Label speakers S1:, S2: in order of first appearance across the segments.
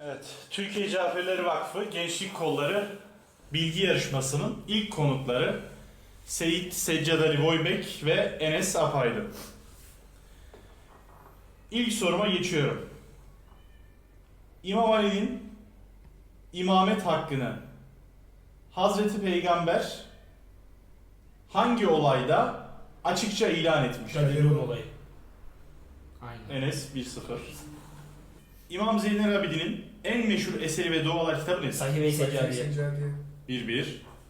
S1: Evet, Türkiye Caferleri Vakfı Gençlik Kolları Bilgi Yarışması'nın ilk konukları Seyit Seccad Ali Voybek ve Enes Apaydın. İlk soruma geçiyorum. İmam Ali'nin imamet hakkını Hazreti Peygamber hangi olayda açıkça ilan etmiştir?
S2: Gadirun olayı. Aynen.
S1: Enes 1-0. İmam Zeynel Abidin'in en meşhur eseri ve dualar kitabı nedir?
S2: Sahih-i Seccadiye.
S1: 1-1.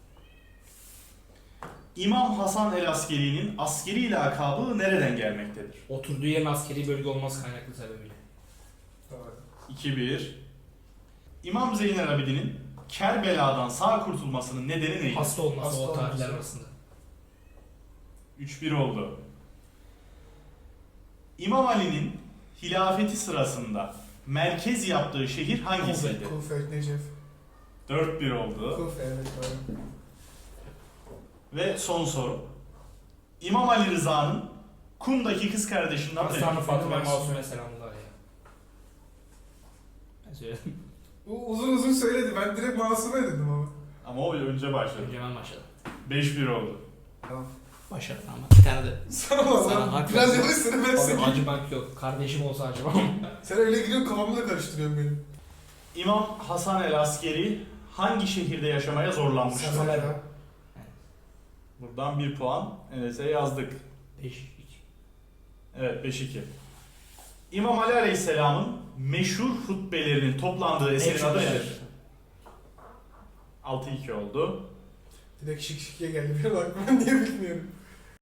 S1: İmam Hasan el-Askeri'nin askeri lakabı nereden gelmektedir?
S2: Oturduğu yerin askeri bölge olması kaynaklı sebebiyle.
S1: 2-1. İmam Zeynel Abidin'in Kerbela'dan sağ kurtulmasının nedeni neydi?
S2: Hasta olması
S3: Hasta
S2: o tarihler
S3: olması.
S2: arasında.
S1: 3-1 oldu. İmam Ali'nin hilafeti sırasında merkez yaptığı şehir hangisiydi?
S3: Kufe, Necef.
S1: 4-1 oldu.
S3: Kufe, evet doğru.
S1: Ve son soru. İmam Ali Rıza'nın Kum'daki kız kardeşinden
S2: Aslan-ı Fatıma
S3: Benim
S2: Masume selamlar ya. Ben söyledim.
S3: Uzun uzun söyledi. Ben direkt Masume dedim ama.
S1: Ama o önce başladı.
S2: Önce ben başladım.
S1: 5-1 oldu.
S3: Tamam.
S2: Başladım ama bir tane de.
S3: Sana
S2: Sana hak
S3: biraz
S2: verdim.
S3: yavaşsana ben
S2: Abi
S3: seni.
S2: acımak yok. Kardeşim olsa acımam.
S3: Sen öyle gidiyorsun kafamı da karıştırıyorsun benim.
S1: İmam Hasan el-Askeri hangi şehirde yaşamaya zorlanmıştır?
S3: Sazalera.
S1: Buradan 1 puan Enes'e yazdık.
S2: 5-2.
S1: Evet 5-2. İmam Ali Aleyhisselam'ın meşhur hutbelerinin toplandığı eserin adı nedir? 6-2 oldu.
S3: Direkt şık şıkıya geldi. Bir bak ben niye bilmiyorum.